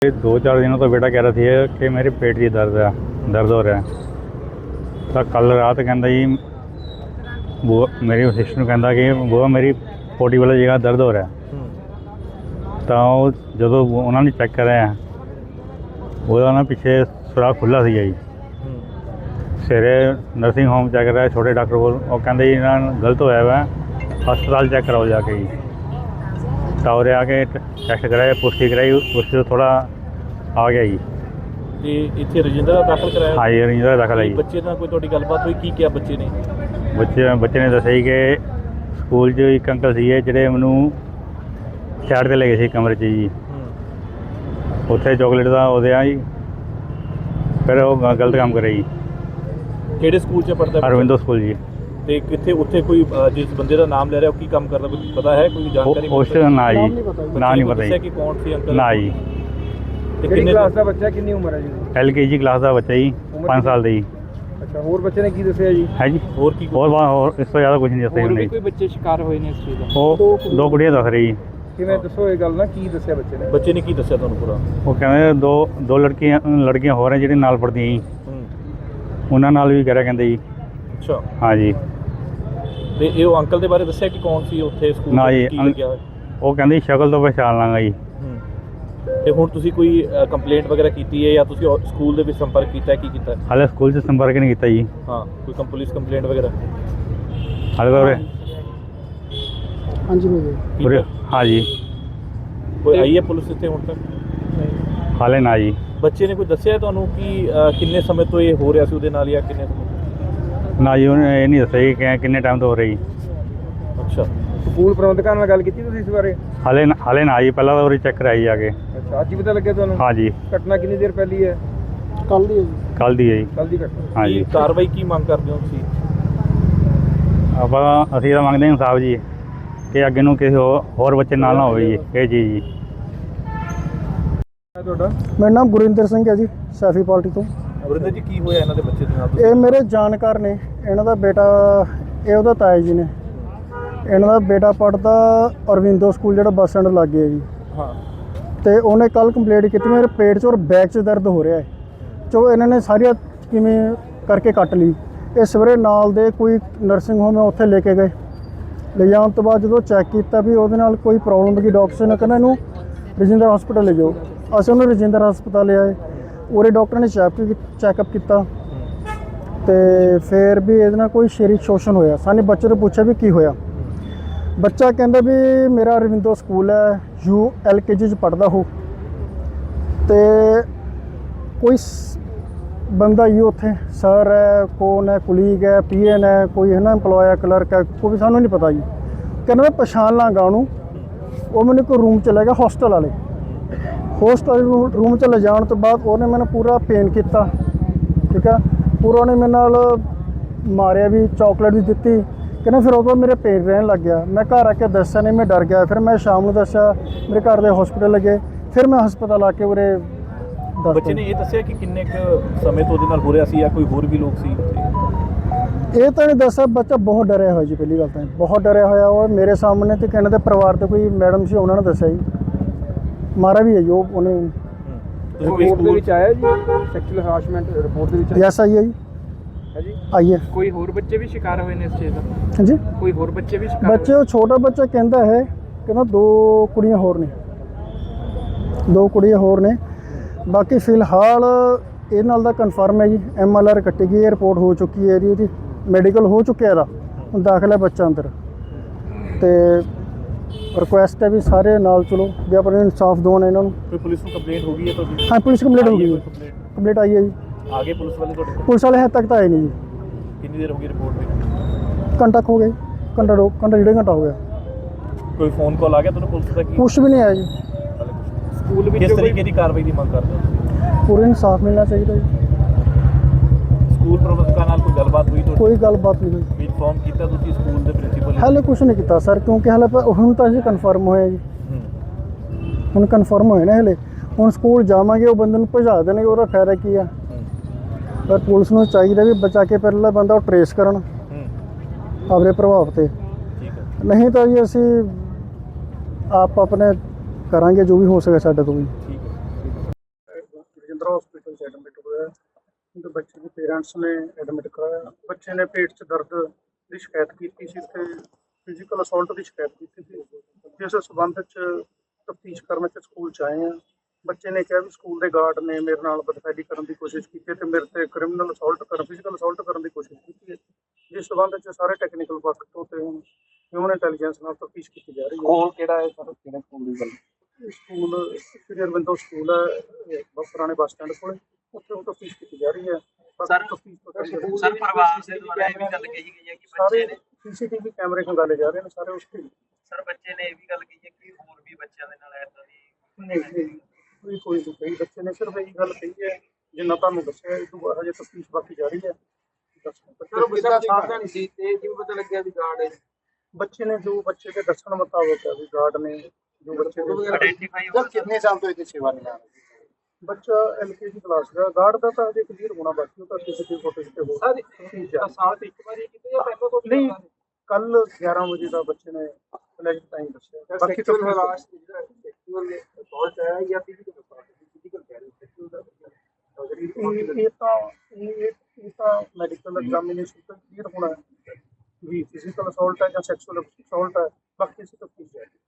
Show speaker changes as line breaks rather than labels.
2-4 दिनों तो बेटा कह रहा थी कि मेरे पेट की दर्द हो रहा है। तो कल रात कहता जी वो मेरी सिस्टर कहता कि वो मेरी पोटी वाली जगह दर्द हो रहा है। तो जो उन्होंने चेक कराया ਉਹਦਾ ਨਾ ਪਿੱਛੇ ਸੁਰਾਖ ਖੁੱਲ੍ਹਾ ਸੀਗਾ ਜੀ। ਸਵੇਰੇ ਨਰਸਿੰਗ ਹੋਮ ਚੈੱਕ ਕਰਾਇਆ ਛੋਟੇ ਡਾਕਟਰ ਕੋਲ, ਉਹ ਕਹਿੰਦੇ ਜੀ ਇਹਨਾਂ ਨਾਲ ਗਲਤ ਹੋਇਆ ਵਾ, ਹਸਪਤਾਲ ਚੈੱਕ ਕਰਾਓ ਜਾ ਕੇ ਜੀ। ਤਾਂ ਉਰੇ ਆ ਕੇ ਟੈਸਟ ਕਰਾਇਆ, ਪੁਸ਼ਟੀ ਕਰਾਈ, ਪੁਸ਼ਟੀ ਤੋਂ ਥੋੜ੍ਹਾ ਆ ਗਿਆ ਜੀ।
ਤੇ ਇੱਥੇ ਰਜਿੰਦਰ ਦਾ ਦਾਖਲ ਕਰਾਇਆ?
ਹਾਂ ਜੀ, ਰਜਿੰਦਰ ਦਾ ਦਾਖਲ ਹੈ ਜੀ।
ਬੱਚੇ ਨਾਲ ਕੋਈ ਤੁਹਾਡੀ ਗੱਲਬਾਤ ਹੋਈ? ਕੀ ਕਿਹਾ ਬੱਚੇ ਨੇ?
ਬੱਚੇ ਨੇ ਦੱਸਿਆ ਜੀ ਕਿ ਸਕੂਲ 'ਚ ਇੱਕ ਅੰਕਲ ਸੀਗੇ ਜਿਹੜੇ ਮੈਨੂੰ ਸਾਈਡ 'ਤੇ ਲੈ ਗਏ ਸੀ ਕਮਰੇ 'ਚ ਜੀ। ਉੱਥੇ ਚੋਕਲੇਟ ਦਾ ਉਹਦੇ ਆ ਜੀ, ਫਿਰ ਉਹ ਗਲਤ ਕੰਮ ਕਰਿਆ ਜੀ।
ਕਿਹੜੇ ਸਕੂਲ 'ਚ ਪੜ੍ਹਦਾ?
ਅਰਵਿੰਦੋ ਸਕੂਲ ਜੀ।
ਤੇ ਕਿੱਥੇ ਉੱਥੇ ਕੋਈ ਜਿਸ ਬੰਦੇ ਦਾ ਨਾਮ ਲੈ ਰਿਹਾ ਉਹ ਕੀ ਕੰਮ ਕਰਦਾ, ਕੋਈ ਪਤਾ ਹੈ? ਕੋਈ ਜਾਣਕਾਰੀ?
ਉਸ ਨਾ ਜੀ, ਨਾ ਨਹੀਂ ਪਤਾ ਜੀ
ਕਿ ਕੌਣ ਸੀ ਅੰਕਲ?
ਨਾ ਜੀ।
ਤੇ ਕਿੰਨੇ ਕਲਾਸ ਦਾ ਬੱਚਾ, ਕਿੰਨੀ ਉਮਰ ਹੈ ਜੀ?
LKG ਕਲਾਸ ਦਾ ਬੱਚਾ ਜੀ, 5 ਸਾਲ ਦਾ ਜੀ।
ਅੱਛਾ, ਹੋਰ ਬੱਚੇ ਨੇ ਕੀ ਦੱਸਿਆ ਜੀ? ਹੈ ਜੀ, ਹੋਰ ਕੀ?
ਹੋਰ ਇਸ ਤੋਂ ਜ਼ਿਆਦਾ ਕੁਝ ਨਹੀਂ ਦੱਸਿਆ ਉਹਨੇ।
ਕੋਈ ਬੱਚੇ ਸ਼ਿਕਾਰ ਹੋਏ ਨੇ ਇਸ ਚੀਜ਼ ਦਾ?
ਉਹ 2 ਕੁੜੀਆਂ ਦੱਸ ਰਹੀ ਜੀ।
ਕਿਵੇਂ ਦੱਸੋ ਇਹ ਗੱਲ ਨਾ, ਕੀ ਦੱਸਿਆ ਬੱਚੇ ਨੇ? ਬੱਚੇ ਨੇ ਕੀ ਦੱਸਿਆ ਤੁਹਾਨੂੰ ਪੂਰਾ?
ਉਹ ਕਹਿੰਦੇ ਦੋ ਲੜਕੀਆਂ ਹੋਰ ਹੈ ਜਿਹੜੇ ਨਾਲ ਪੜ੍ਹਦੀਆਂ ਜੀ, ਉਹਨਾਂ ਨਾਲ ਵੀ ਕਰਿਆ ਕਹਿੰਦੇ ਜੀ।
ਅੱਛਾ,
ਹਾਂ ਜੀ।
ਤੇ ਇਹ ਉਹ ਅੰਕਲ ਦੇ ਬਾਰੇ ਦੱਸਿਆ ਕਿ ਕੌਣ ਸੀ ਉੱਥੇ ਸਕੂਲ?
ਨਾ ਜੀ, ਉਹ ਕਹਿੰਦੇ ਸ਼ਕਲ ਤੋਂ ਪਛਾਣ ਲਾਂਗਾ ਜੀ।
ਤੇ ਹੁਣ ਤੁਸੀਂ ਕੋਈ ਕੰਪਲੇਂਟ ਵਗੈਰਾ ਕੀਤੀ ਹੈ ਜਾਂ ਤੁਸੀਂ ਸਕੂਲ ਦੇ ਵਿੱਚ ਸੰਪਰਕ ਕੀਤਾ, ਕੀ ਕੀਤਾ?
ਹਾਲੇ ਸਕੂਲ 'ਚ ਸੰਪਰਕ ਨਹੀਂ ਕੀਤਾ ਜੀ।
ਹਾਂ, ਕੋਈ ਪੁਲਿਸ ਕੰਪਲੇਂਟ ਵਗੈਰਾ?
ਹਾਲੇ ਤਾਂ
ਹਾਂਜੀ
ਹਾਂ ਜੀ।
ਕੋਈ ਆਈ ਹੈ ਪੁਲਿਸ ਇੱਥੇ ਹੁਣ ਤੱਕ?
ਹਾਲੇ ਨਾ ਜੀ।
ਬੱਚੇ ਨੇ ਕੋਈ ਦੱਸਿਆ ਤੁਹਾਨੂੰ ਕਿ ਕਿੰਨੇ ਸਮੇਂ ਤੋਂ ਇਹ ਹੋ ਰਿਹਾ ਸੀ ਉਹਦੇ ਨਾਲ, ਜਾਂ ਕਿੰਨੇ ਸਮੇਂ?
ਨਾ ਜੀ, ਉਹਨੇ ਇਹ ਨਹੀਂ ਦੱਸਿਆ ਜੀ ਕਿ ਕਿੰਨੇ ਟਾਈਮ ਤੋਂ ਹੋ ਰਹੀ।
ਅੱਛਾ, ਸਕੂਲ ਪ੍ਰਬੰਧਕਾਂ ਨਾਲ ਗੱਲ ਕੀਤੀ ਤੁਸੀਂ ਇਸ ਬਾਰੇ?
ਹਾਲੇ ਨਾ ਜੀ, ਪਹਿਲਾਂ ਤਾਂ ਉਹਦੀ ਚੈੱਕ ਕਰਾਈ ਜਾ ਕੇ।
ਅੱਛਾ, ਅੱਜ ਹੀ ਪਤਾ ਲੱਗਿਆ ਤੁਹਾਨੂੰ? ਹਾਂ ਜੀ। ਘਟਨਾ ਕਿੰਨੀ ਦੇਰ ਪਹਿਲੀ ਹੈ? ਕੱਲ ਦੀ ਹੈ ਜੀ।
ਕੱਲ ਦੀ ਹੈ ਜੀ।
ਕੱਲ ਦੀ ਘਟਨਾ।
ਹਾਂ ਜੀ।
ਕਾਰਵਾਈ ਕੀ ਮੰਗ ਕਰਦੇ ਹੋ ਤੁਸੀਂ?
ਅਸੀਂ ਤਾਂ ਮੰਗਦੇ ਹਾਂ ਇਨਸਾਫ ਜੀ, ਕਿ ਅੱਗੇ ਨੂੰ ਕਿਸੇ ਹੋਰ ਬੱਚੇ ਨਾਲ ਨਾ ਹੋਵੇ ਜੀ ਇਹ ਚੀਜ਼ ਜੀ।
ਤੁਹਾਡਾ?
ਮੇਰਾ ਨਾਮ ਗੁਰਿੰਦਰ ਸਿੰਘ ਹੈ ਜੀ, ਸੈਫੀ ਪਾਰਟੀ ਤੋਂ।
ਗੁਰਿੰਦਰ ਜੀ, ਕੀ ਹੋਇਆ ਇਹਨਾਂ ਦੇ ਬੱਚੇ ਦੇ ਨਾਲ?
ਇਹ ਮੇਰੇ ਜਾਣਕਾਰ ਨੇ, ਇਹਨਾਂ ਦਾ ਬੇਟਾ, ਇਹ ਉਹਦਾ ਤਾਇਆ ਜੀ ਨੇ। ਇਹਨਾਂ ਦਾ ਬੇਟਾ ਪੜ੍ਹਦਾ ਅਰਵਿੰਦੋ ਸਕੂਲ, ਜਿਹੜਾ ਬੱਸ ਸਟੈਂਡ ਲਾਗੇ ਹੈ ਜੀ।
ਹਾਂ।
ਤੇ ਉਹਨੇ ਕੱਲ ਕੰਪਲੇਂਟ ਕੀਤੀ ਮੇਰੇ ਪੇਟ 'ਚ ਔਰ ਬੈਕ 'ਚ ਦਰਦ ਹੋ ਰਿਹਾ ਹੈ। ਚੋ ਇਹਨਾਂ ਨੇ ਸਾਰੀਆਂ ਕਿਵੇਂ ਕਰਕੇ ਕੱਟ ਲਈ। ਇਹ ਸਵੇਰੇ ਨਾਲ ਦੇ ਕੋਈ ਨਰਸਿੰਗ ਹੋਮ ਹੈ ਉੱਥੇ ਲੈ ਕੇ ਗਏ। ਲੈ ਜਾਣ ਤੋਂ ਬਾਅਦ ਜਦੋਂ ਚੈੱਕ ਕੀਤਾ ਵੀ ਉਹਦੇ ਨਾਲ ਕੋਈ ਪ੍ਰੋਬਲਮ ਹੈਗੀ, ਡਾਕਟਰ ਨੇ ਕਹਿੰਦਾ ਇਹਨੂੰ ਰਜਿੰਦਰ ਹਸਪਤਾਲ ਲੈ ਜਾਓ। ਅਸੀਂ ਉਹਨੂੰ ਰਜਿੰਦਰ ਹਸਪਤਾਲ ਲਿਆਏ। ਉਰੇ ਡਾਕਟਰ ਨੇ ਚੈੱਕਅਪ ਕੀਤਾ ਤੇ ਫਿਰ ਵੀ ਇਹਦੇ ਨਾਲ ਕੋਈ ਸਰੀਰਕ ਸ਼ੋਸ਼ਣ ਹੋਇਆ। ਸਾਨੂੰ ਬੱਚੇ ਨੂੰ ਪੁੱਛਿਆ ਵੀ ਕੀ ਹੋਇਆ। ਬੱਚਾ ਕਹਿੰਦਾ ਵੀ ਮੇਰਾ ਅਰਵਿੰਦੋ ਸਕੂਲ ਹੈ, LKG 'ਚ ਪੜ੍ਹਦਾ ਹੋ, ਤੇ ਕੋਈ ਬੰਦਾ ਹੀ ਉੱਥੇ ਸਰ ਹੈ, ਕੌਣ ਹੈ, ਕੁਲੀਗ ਹੈ, PN ਹੈ, ਕੋਈ ਹੈ ਨਾ ਇੰਪਲੋਏ ਹੈ, ਕਲਰਕ ਹੈ, ਕੋਈ ਸਾਨੂੰ ਨਹੀਂ ਪਤਾ ਜੀ। ਕਹਿੰਦਾ ਮੈਂ ਪਛਾਣ ਲਾਂਗਾ ਉਹਨੂੰ। ਉਹ ਮੈਨੂੰ ਕੋਈ ਰੂਮ 'ਚ ਲੈ ਗਿਆ, ਹੋਸਟਲ ਵਾਲੇ ਰੂਮ 'ਚ ਲੈ ਜਾਣ ਤੋਂ ਬਾਅਦ ਉਹਨੇ ਮੈਨੂੰ ਪੂਰਾ ਪੇਨ ਕੀਤਾ, ਠੀਕ ਹੈ, ਪੂਰਾ ਉਹਨੇ ਮੇਰੇ ਨਾਲ ਮਾਰਿਆ ਵੀ, ਚਾਕਲੇਟ ਵੀ ਦਿੱਤੀ। ਕਹਿੰਦਾ ਫਿਰ ਉਹ ਤੋਂ ਮੇਰੇ ਪੇਨ ਰਹਿਣ ਲੱਗ ਗਿਆ। ਮੈਂ ਘਰ ਆ ਕੇ ਦੱਸਿਆ ਨਹੀਂ, ਮੈਂ ਡਰ ਗਿਆ। ਫਿਰ ਮੈਂ ਸ਼ਾਮ ਨੂੰ ਦੱਸਿਆ, ਮੇਰੇ ਘਰ ਦੇ ਹਸਪੀਟਲ ਲੱਗੇ। ਫਿਰ ਮੈਂ ਹਸਪਤਾਲ ਆ ਕੇ ਉਰੇ ਦੱਸ।
ਬੱਚੇ ਨੇ ਇਹ ਦੱਸਿਆ ਕਿ ਕਿੰਨੇ ਕੁ ਸਮੇਂ ਤੋਂ ਉਹਦੇ ਨਾਲ ਹੋ ਰਿਹਾ ਸੀ, ਜਾਂ ਕੋਈ ਹੋਰ ਵੀ ਲੋਕ ਸੀ?
ਇਹ ਤਾਂ ਨਹੀਂ ਦੱਸਿਆ। ਬੱਚਾ ਬਹੁਤ ਡਰਿਆ ਹੋਇਆ ਜੀ, ਪਹਿਲੀ ਗੱਲ ਤਾਂ ਬਹੁਤ ਡਰਿਆ ਹੋਇਆ। ਉਹ ਮੇਰੇ ਸਾਹਮਣੇ ਤੇ ਕਹਿੰਦੇ ਪਰਿਵਾਰ ਦੇ ਕੋਈ ਮੈਡਮ ਸੀ, ਉਹਨਾਂ ਨੇ ਦੱਸਿਆ ਜੀ, ਮਾਰਾ ਵੀ ਹੈ ਜੀ ਉਹਨੇ।
ਰਿਪੋਰਟ ਦੇ ਵਿੱਚ ਆਇਆ ਜੀ ਸੈਕਸ਼ੂਅਲ ਹਰਾਸਮੈਂਟ? ਰਿਪੋਰਟ ਦੇ ਵਿੱਚ
ਯੈਸ ਆਈ ਹੈ ਜੀ।
ਹੈ ਜੀ,
ਆਈ ਹੈ।
ਕੋਈ ਹੋਰ ਬੱਚੇ ਵੀ ਸ਼ਿਕਾਰ ਹੋਏ ਨੇ ਇਸ ਚੀਜ਼ ਦਾ?
ਹਾਂਜੀ,
ਕੋਈ ਹੋਰ ਬੱਚੇ ਵੀ ਸ਼ਿਕਾਰ?
ਬੱਚੇ ਉਹ ਛੋਟਾ ਬੱਚਾ ਕਹਿੰਦਾ ਹੈ, ਕਹਿੰਦਾ 2 ਕੁੜੀਆਂ ਹੋਰ ਨੇ, 2 ਕੁੜੀਆਂ ਹੋਰ ਨੇ। ਬਾਕੀ ਫਿਲਹਾਲ ਇਹ ਨਾਲ ਦਾ ਕਨਫਰਮ ਹੈ ਜੀ। MLR ਕੱਟੀ ਗਈ ਹੈ, ਰਿਪੋਰਟ ਹੋ ਚੁੱਕੀ ਹੈ ਇਹਦੀ ਮੈਡੀਕਲ ਹੋ ਚੁੱਕਿਆ ਇਹਦਾ। ਹੁਣ ਦਾਖਲ ਹੈ ਬੱਚਾ ਅੰਦਰ। ਤੇ ਰਿਕੁਐਸਟ ਹੈ ਵੀ ਸਾਰੇ ਨਾਲ ਚਲੋ, ਵੀ ਆਪਣੇ ਇਨਸਾਫ ਦਿਵਾਉਣ ਇਹਨਾਂ ਨੂੰ।
ਕੋਈ ਪੁਲਿਸ ਨੂੰ ਕੰਪਲੇਂਟ ਹੋ ਗਈ ਹੈ ਤੁਹਾਡੀ?
ਹਾਂ, ਪੁਲਿਸ ਕੰਪਲੇਂਟ ਹੋ ਗਈ ਹੈ। ਕੰਪਲੇਂਟ ਆਈ ਹੈ ਜੀ।
ਆ ਗਏ ਪੁਲਿਸ ਵਾਲੇ ਤੁਹਾਡੇ ਕੋਲ?
ਪੁਲਿਸ ਵਾਲੇ ਹਜੇ ਤੱਕ ਤਾਂ ਆਏ ਨਹੀਂ ਜੀ।
ਕਿੰਨੀ ਦੇਰ ਹੋ ਗਈ ਰਿਪੋਰਟ ਦੇ?
ਘੰਟਾ ਹੋ ਗਿਆ, ਘੰਟਾ 1.5 ਘੰਟਾ ਹੋ ਗਿਆ।
ਕੋਈ ਫੋਨ ਕਾਲ ਆ ਗਿਆ ਤੁਹਾਨੂੰ ਪੁਲਿਸ ਦਾ?
ਕੁਛ ਵੀ ਨਹੀਂ ਆਇਆ ਜੀ।
ਸਕੂਲ ਵਿੱਚ ਕਿਸ ਤਰੀਕੇ ਦੀ ਕਾਰਵਾਈ ਦੀ ਮੰਗ ਕਰਦੇ ਹੋ?
ਪੂਰਾ ਇਨਸਾਫ ਮਿਲਣਾ ਚਾਹੀਦਾ ਜੀ।
ਸਕੂਲ ਪ੍ਰਬੰਧਕਾਂ ਨਾਲ ਕੋਈ ਗੱਲਬਾਤ ਹੋਈ ਤੁਹਾਡੀ?
ਕੋਈ ਗੱਲਬਾਤ ਨਹੀਂ ਹੋਈ।
ਵੀ ਇਨਫੋਰਮ ਕੀਤਾ ਤੁਸੀਂ ਸਕੂਲ ਦੇ ਪ੍ਰਿੰਸੀਪਲ?
ਹਾਲੇ ਕੁਛ ਨਹੀਂ ਕੀਤਾ ਸਰ, ਕਿਉਂਕਿ ਹਾਲੇ ਹੁਣ ਤਾਂ ਅਸੀਂ ਕਨਫਰਮ ਹੋਇਆ ਜੀ। ਹੁਣ ਕਨਫਰਮ ਹੋਏ ਨਾ ਹਲੇ। ਹੁਣ ਸਕੂਲ ਜਾਵਾਂਗੇ, ਉਹ ਬੰਦੇ ਨੂੰ ਭਜਾ ਦੇਣਗੇ, ਉਹਦਾ ਫਾਇਦਾ ਕੀ ਆ? ਪਰ ਪੁਲਿਸ ਨੂੰ ਚਾਹੀਦਾ ਵੀ ਬਚਾ ਕੇ ਪਹਿਲਾਂ ਬੰਦਾ ਉਹ ਟਰੇਸ ਕਰਨ ਆਪਣੇ ਪ੍ਰਭਾਵ 'ਤੇ। ਨਹੀਂ ਤਾਂ ਜੀ ਅਸੀਂ ਆਪ ਆਪਣੇ ਕਰਾਂਗੇ ਜੋ ਵੀ ਹੋ ਸਕੇ ਸਾਡੇ ਤੋਂ ਵੀ। ਹਸਪੀਟਲ 'ਚ ਐਡਮਿਟ ਹੋਇਆ ਤੇ ਬੱਚੇ ਦੇ ਪੇਰੈਂਟਸ ਨੇ ਐਡਮਿਟ ਕਰਾਇਆ। ਬੱਚੇ ਨੇ ਪੇਟ 'ਚ ਦਰਦ ਦੀ ਸ਼ਿਕਾਇਤ ਕੀਤੀ ਸੀ ਤੇ ਫਿਜ਼ੀਕਲ ਅਸੌਲਟ ਦੀ ਸ਼ਿਕਾਇਤ ਕੀਤੀ ਸੀ, ਜਿਸ ਸਬੰਧ 'ਚ ਤਫਤੀਸ਼ ਕਰਨ 'ਚ ਸਕੂਲ 'ਚ ਆਏ ਹਾਂ। ਬੱਚੇ ਨੇ ਕਿਹਾ ਵੀ ਸਕੂਲ ਦੇ ਗਾਰਡ ਨੇ ਮੇਰੇ ਨਾਲ ਬਦਫੈਲੀ ਕਰਨ ਦੀ ਕੋਸ਼ਿਸ਼ ਕੀਤੀ ਤੇ ਮੇਰੇ ਤੇ ਕ੍ਰਿਮੀਨਲ ਅਸੌਲਟ ਫਿਜ਼ੀਕਲ ਅਸੌਲਟ ਕਰਨ ਦੀ ਕੋਸ਼ਿਸ਼ ਕੀਤੀ ਹੈ, ਜਿਸ ਸਬੰਧ 'ਚ ਸਾਰੇ ਟੈਕਨੀਕਲ ਪੱਖ ਤੋਂ ਤੇ ਹਿਊਮਨ ਇੰਟੈਲੀਜੈਂਸ ਨਾਲ ਤਫਤੀਸ਼ ਕੀਤੀ ਜਾ ਰਹੀ ਹੈ।
ਸਕੂਲ ਕਿਹੜਾ ਹੈ ਸਰ, ਕਿਹੜੇ ਸਕੂਲ ਦੀ ਗੱਲ?
ਇਹ ਸਕੂਲ ਸ੍ਰੀ ਅਰਵਿੰਦੋ ਸਕੂਲ ਹੈ, ਪੁਰਾਣੇ ਬੱਸ ਸਟੈਂਡ ਕੋਲ, ਉੱਥੇ ਉਹ ਤਫਤੀਸ਼ ਕੀਤੀ ਜਾ ਰਹੀ ਹੈ।
ਸਰ ਪਰਿਵਾਰ ਦੇ ਦੁਆਰਾ ਇਹ ਵੀ ਗੱਲ ਕਹੀ ਗਈ ਹੈ ਕਿ
ਸਾਰੇ
ਬੱਚੇ ਨੇ
ਸੀਸੀਟੀਵੀ ਕੈਮਰੇ ਖੰਗਾਲੇ ਜਾ ਰਹੇ ਨੇ ਸਾਰੇ ਉਸ ਤੇ।
ਸਰ ਬੱਚੇ ਨੇ ਇਹ ਵੀ ਗੱਲ ਕਹੀ ਹੈ ਕਿ ਹੋਰ ਵੀ ਬੱਚਿਆਂ ਦੇ ਨਾਲ ਏਦਾਂ ਦੀ
ਨਹੀਂ ਕੋਈ ਨਹੀਂ ਕਹੀ, ਬੱਚੇ ਨੇ ਸਿਰਫ ਇਹੀ ਗੱਲ ਕਹੀ ਹੈ ਜਿੰਨਾ ਤੁਹਾਨੂੰ ਦੱਸਿਆ। ਇਹ ਤੋਂ ਬਾਅਦ ਹਜੇ ਤਫਤੀਸ਼ ਬਾਕੀ ਜਾਰੀ ਹੈ।
ਸਾਵਧਾਨੀ ਸੀ ਤੇ ਜਿਵੇਂ ਪਤਾ ਲੱਗਿਆ ਵੀ ਗਾਰਡ ਹੈ
ਬੱਚੇ ਨੇ ਜੋ ਬੱਚੇ ਦੇ ਦੱਸਣ ਮੁਤਾਬਕ ਹੈ ਵੀ ਗਾਰਡ ਨੇ ਜੋ ਬੱਚੇ ਦੇ
ਆਇਡੈਂਟੀਫਾਈ
ਕਿੰਨੇ ਸਾਲ ਤੋਂ ਇਹਦੀ ਸੇਵਾ ਨਿਭਾ ਰਹੇ?
ਬੱਚਾ LKG ਕਲਾਸ ਦਾ ਗਾਰਡ ਦਾ ਤਾਂ ਹਜੇ ਕਲੀਅਰ ਹੋਣਾ ਬਾਕੀ, ਉਹ ਤਾਂ ਸੀਸੀਟੀਵੀ ਫੁਟੇਜ ਤੇ ਹੋ
ਸਾਲ ਤੇ ਇੱਕ ਵਾਰੀ ਕੀਤੇ ਜਾਂ ਪਹਿਲਾਂ ਤੋਂ
ਨਹੀਂ, ਕੱਲ 11 ਵਜੇ ਦਾ ਬੱਚੇ ਨੇ ਫਲੈਸ਼ ਟਾਈਮ ਦੱਸਿਆ। ਬਾਕੀ ਤਾਂ ਇਹ ਤਾਂ ਮੈਡੀਕਲ ਐਗਜ਼ਾਮੀਨੇਸ਼ਨ ਤੋਂ ਕਲੀਅਰ ਹੋਣਾ ਹੈ ਵੀ ਫਿਜ਼ੀਕਲ ਅਸੌਲਟ ਹੈ ਜਾਂ ਸੈਕਸ਼ੂਅਲ ਅਸੌਲਟ ਹੈ। ਬਾਕੀ ਅਸੀਂ ਤਫਤੀਸ਼ ਜਾਰੀ